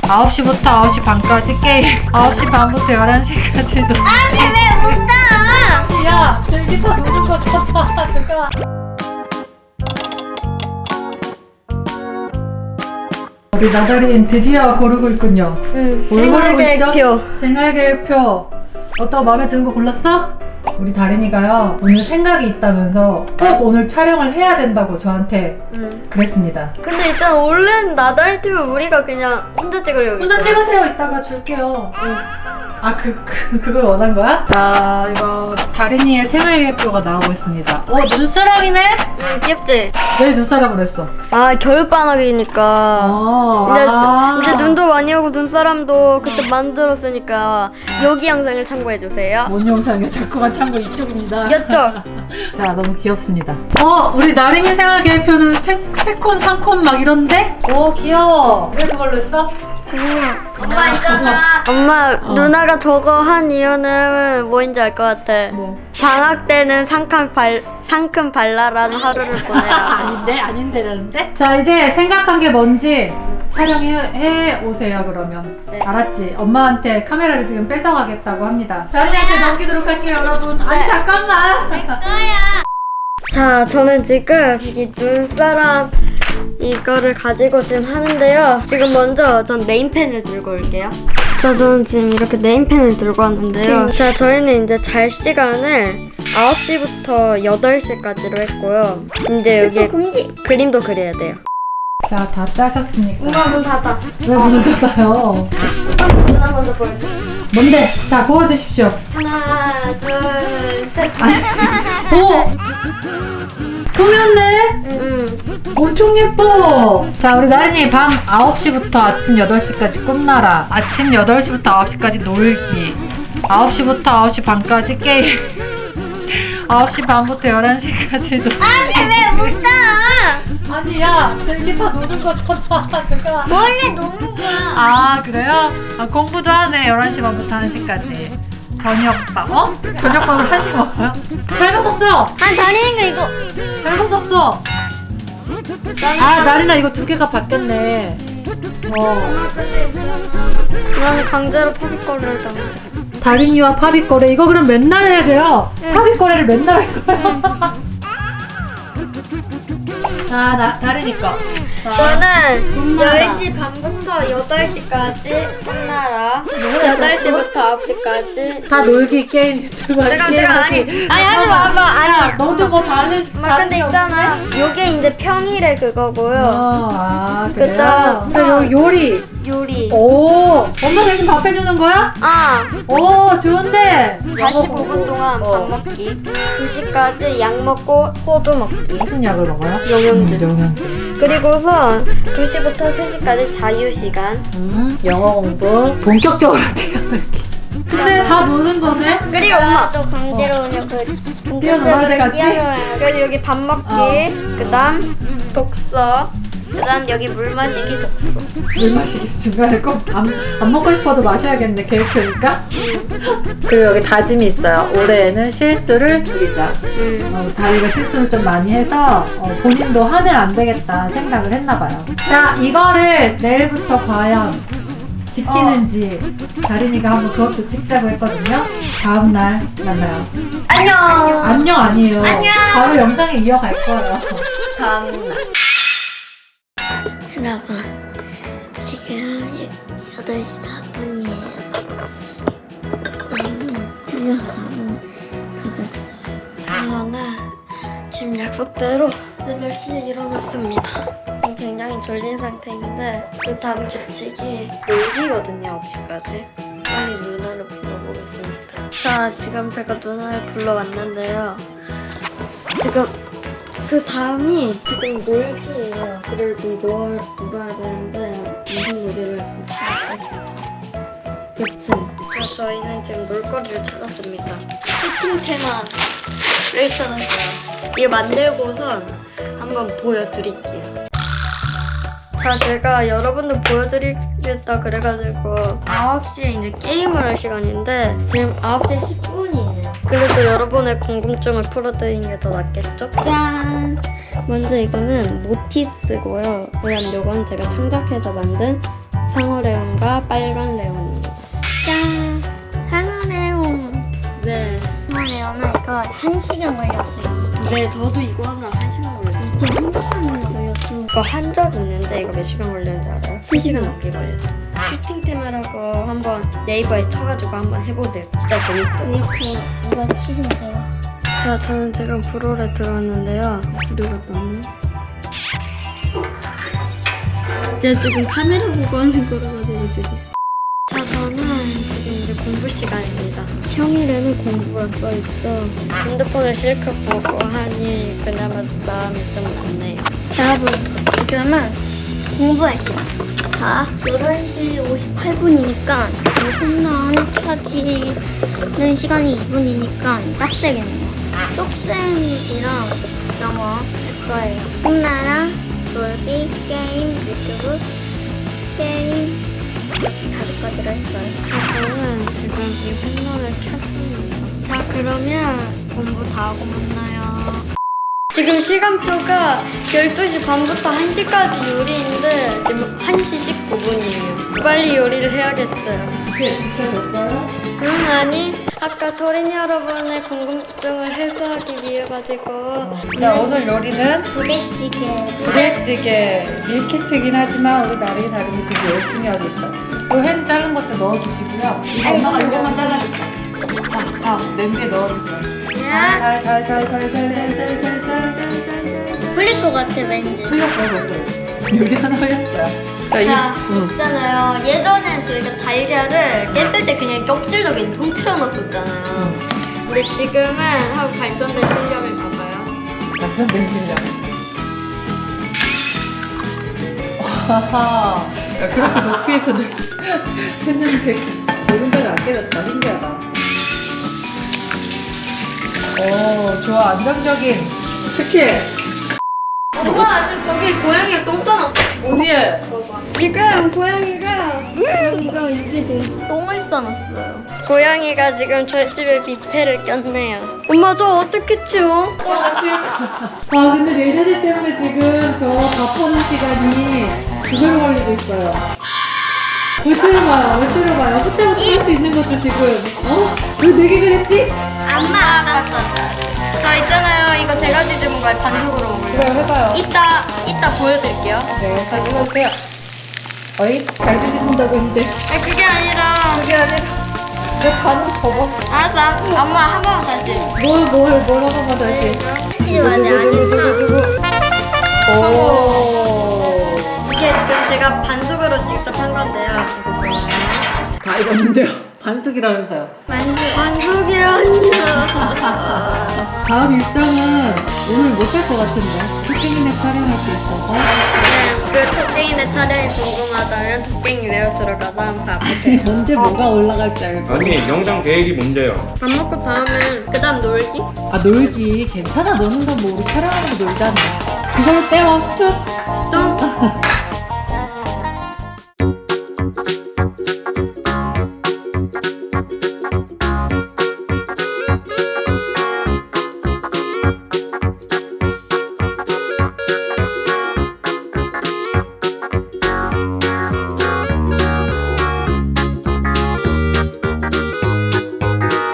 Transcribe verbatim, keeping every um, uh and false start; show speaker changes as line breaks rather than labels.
아홉 시부터 아홉 시 반까지 게임. 아홉 시 반부터 열한 시까지도.
아니 왜 못 가?
야, 저기 다 노는 거잖아. 잠깐만. 우리 나다린 드디어 고르고 있군요.
응.
뭘 고르고 있죠?
생활계획표.
생활계획표. 어떤 마음에 드는 거 골랐어? 우리 다린이가요 오늘 생각이 있다면서 꼭 오늘 촬영을 해야 된다고 저한테
응.
그랬습니다.
근데 일단 원래는 나다리 팀은 우리가 그냥 혼자 찍으려고.
혼자
했잖아.
찍으세요. 이따가 줄게요.
응.
아, 그, 그, 그걸 원한 거야? 자, 이거 다린이의 생활계획표가 나오고 있습니다. 어, 눈사람이네?
응, 귀엽지?
왜 눈사람으로 했어?
아 겨울방학이니까.
어,
이제,
아.
이제 눈도 많이 오고 눈사람도 그때 만들었으니까 여기 영상을 참고해주세요.
뭔 영상이야? 자꾸만 참고 이쪽입니다.
이쪽.
자, 너무 귀엽습니다. 어, 우리 나린이 생활계획표는 세, 세 콘, 삼 콘 막 이런데? 오, 귀여워. 왜 그걸로 했어?
그냥 엄마 있잖아. 엄마
어.
누나가 저거 한 이유는 뭐인지 알 것 같아.
뭐?
방학 때는 상큼 발 상큼 발랄한 하루를 보내라.
아닌데? 아닌데라는데? 자, 이제 생각한 게 뭔지 촬영해 해 오세요, 그러면.
네.
알았지? 엄마한테 카메라를 지금 뺏어가겠다고 합니다. 다린이한테 넘기도록 할게요, 여러분. 아니,
네.
잠깐만.
자, 저는 지금 이 눈사람 이거를 가지고 지금 하는데요. 지금 먼저 전 네임펜을 들고 올게요. 자, 저는 지금 이렇게 네임펜을 들고 왔는데요. 자, 저희는 이제 잘 시간을 아홉 시부터 여덟 시까지로 했고요. 이제 여기 금지. 그림도 그려야 돼요.
자, 다 짜셨습니까?
엄마 문 닫아.
왜 문을 닫아요?
누나 먼저 보여줘.
뭔데? 자, 보여주십시오.
하나, 둘, 셋.
오! 꾸몄네?
응.
엄청 예뻐. 자, 우리 나린이 밤 아홉 시부터 아침 여덟 시까지 꿈나라. 아침 여덟 시부터 아홉 시까지 놀기. 아홉 시부터 아홉 시 반까지 게임. 아홉 시 반부터 열한 시까지도.
아니 왜 못 가?
아니, 야, 저기 다 노는 거잖아. 잠깐만.
원래 노는 거야.
아, 그래요? 아, 공부도 하네. 열한 시 반부터 한 시까지. 저녁밥, 어? 저녁밥을 한 시 먹어요? 잘못 썼어!
아 다리는 거 이거.
잘못 썼어! 아, 나린아, 이거 두 개가 바뀌었네. 어.
나는 강제로 파비거리를 당해.
다린이와 파비꼬레, 이거 그럼 맨날 해야 돼요?
응.
파비꼬레를 맨날 할 거야? 자, 나, 다린이 거. 자,
저는
꿈나라.
열 시 반부터 여덟 시까지 꿈나라. 여덟 시부터 아홉 시까지.
다 놀기 게임 유튜브
잠깐 잠깐 아니 아니 하지 마봐
야,
아니.
너도 뭐 다른
엄마 근데 있잖아. 요게 이제 평일에 그거고요.
어, 아, 그래요?
그다음-
그래서 요, 요리.
요리.
오, 엄마 대신 밥 해주는 거야?
아
오, 좋은데.
사십오 분 동안 밥
어.
먹기. 두 시까지 약 먹고 소주 먹기.
무슨 약을 먹어요?
영양제.
음, 영양제.
그리고선 두 시부터 세 시까지 자유 시간.
음, 영어 공부. 본격적으로 뛰어놀기. 근데 다 노는 거네?
그리고 엄마 또 강제로 오냐 그
뛰어놀아야 돼, 같이?
그래서 여기 밥 먹기,
어.
그다음 독서, 그다음 여기 물 마시기 독서.
물 마시기 중간에 꼭 안 안 먹고 싶어도 마셔야겠네, 계획표니까. 그리고 여기 다짐이 있어요. 올해에는 실수를 줄이자.
음.
어, 다리가 실수를 좀 많이 해서 어, 본인도 하면 안 되겠다 생각을 했나 봐요. 자, 이거를 내일부터 과연 지키는지 다린이가 한번 그것도 찍자고 했거든요. 다음 날 만나요.
안녕.
안녕 아니에요.
안녕.
바로 영상에 이어갈 거예요.
다음 날. 여러분 지금 여덟 시 사 분이에요. 너무 틀려서 늦었어요. 저는 지금 약속대로 여덟 시에 일어났습니다. 지금 굉장히 졸린 상태인데 그 다음 규칙이 놀기거든요. 아홉 시까지. 빨리 누나를 불러보겠습니다. 자, 지금 제가 누나를 불러왔는데요. 지금 그 다음이 지금 놀기예요. 그래서 지금 놀, 놀아야 되는데 무슨 놀이를 찾았습니다. 그치? 자, 저희는 지금 놀거리를 찾았습니다. 세팅 테마를 찾았어요. 이거 만들고선 한번 보여드릴게요. 자, 제가 여러분들 보여드리겠다 그래가지고 아홉 시에 이제 게임을 할 시간인데 지금 아홉 시 십 분이에요. 그래서 여러분의 궁금증을 풀어드리는 게 더 낫겠죠? 짠! 먼저 이거는 모티스고요. 그다음 요건 제가 창작해서 만든 상어레온과 빨간 레온입니다. 짠! 상어레온. 네.
상어레온은 이거 한 시간 걸렸어요.
네, 저도 이거 하나 한 시간 걸렸어요.
이게 한 시간이나 걸렸어.
이거 한 적 있는데 이거 몇 시간 걸렸는지 알아요? 세 시간 넘게 걸렸어요. 슈팅 테마라고 한번 네이버에 쳐가지고 한번 해보세요. 진짜 재밌어요.
이렇게 이거 치시면 돼요.
자, 저는 지금 브롤에 들어왔는데요. 불이가 났네. 제가 지금 카메라 보고 하는 거라가지고 지금. 자, 저는 지금 이제 공부 시간입니다. 평일에는 공부가 써있죠. 핸드폰을 실컷 보고 하니 그나마 마음이 좀 낫네요.
자, 여러분, 지금은 공부할 시간. 자, 열한 시 오십팔 분이니까 홈런 켜지는 시간이 이 분이니까 딱 되겠네요. 속셈이랑 영어 할 거예요. 홈나라, 놀기, 게임, 유튜브, 게임 이렇게 다섯 가지를 했어요.
자, 저는 지금 이 홈런을 켰습니다. 자, 그러면 공부 다 하고 만나요. 지금 시간표가 열두 시 반부터 한 시까지 요리인데 지금 한 시 십구 분이에요. 빨리 요리를 해야겠어요.
네, 지켜졌어요?
응, 아니. 아까 토린 여러분의 궁금증을 해소하기 위해 가지고
자, 오늘 요리는
부대찌개.
부대찌개 밀키트긴 하지만 우리 나린이 다린이 되게 열심히 하고 있어요. 요햄 자른 것도 넣어주시고요. 이거 엄마가 이거만 잘라줄게. 아, 아, 냄비에 넣어주세요. 잘, 잘, 잘, 잘, 잘, 잘, 잘, 잘, 잘, 잘, 잘, 잘.
풀릴 것 같아, 왠지.
흘렸어요, 벌써. 여기 하나 흘렸어요. 자, 이,
자,
응.
있잖아요. 예전엔 저희가 달걀을 깼을 때 그냥 껍질도 통틀어 넣었었잖아요. 우리 지금은 하고 발전된 실력을 봐봐요.
완전된 실력. 하하. 야, 그렇게 높이에서 했는데 오른손이 안 깨졌다. 신기하다. 오, 좋아. 안정적인 스킬.
엄마, 아직 저기 고양이가 똥 싸놨어.
어디에?
지금 고양이가 고양이가 여기 지금 똥을 싸놨어요. 고양이가 지금 저희 집에 뷔페를 꼈네요. 엄마 저 어떻게 치워?
똑같이. 아, 근데 얘네들 때문에 지금 저 밥하는 시간이 두 배로 걸리고 있어요. 왜 때려봐요, 왜 때려봐요. 그때부터 할 수 있는 것도 지금, 어? 왜 내게 그랬지?
엄마 아빠 저 있잖아요. 이거 제가 뒤집은 거에 반죽으로 먹을래요.
그래, 해봐요.
이따 이따 보여드릴게요.
네, 잘 찍어주세요. 어이? 잘 드신다고 했는데.
아 그게 아니라
그게 아니라, 내 반응 접어.
알았어. 엄마 한 번만 다시.
뭘, 뭘, 뭘 한번만 다시.
이게 맞아, 아니구나.
오.
이게 지금 제가 반숙으로 직접 한 건데요. 이거 보여요.
다 익었는데요. 반숙이라면서요.
반숙 반숙이 아니라.
다음 일정은 오늘 못 갈 것 같은데. 토끼이네 촬영할 수 있어서.
네, 그 토깽이네 촬영이 궁금하다면 토깽이 레오 들어가서 한번 봐보세요.
언제 뭐가 올라갈지 알고.
아니 영상 계획이 뭔데요?
밥 먹고 다음은 그 다음 놀기?
아, 놀기. 괜찮아. 노는 건 뭐 우리 촬영하는 거 놀잖아. 그걸로 때워. 쭉.
또?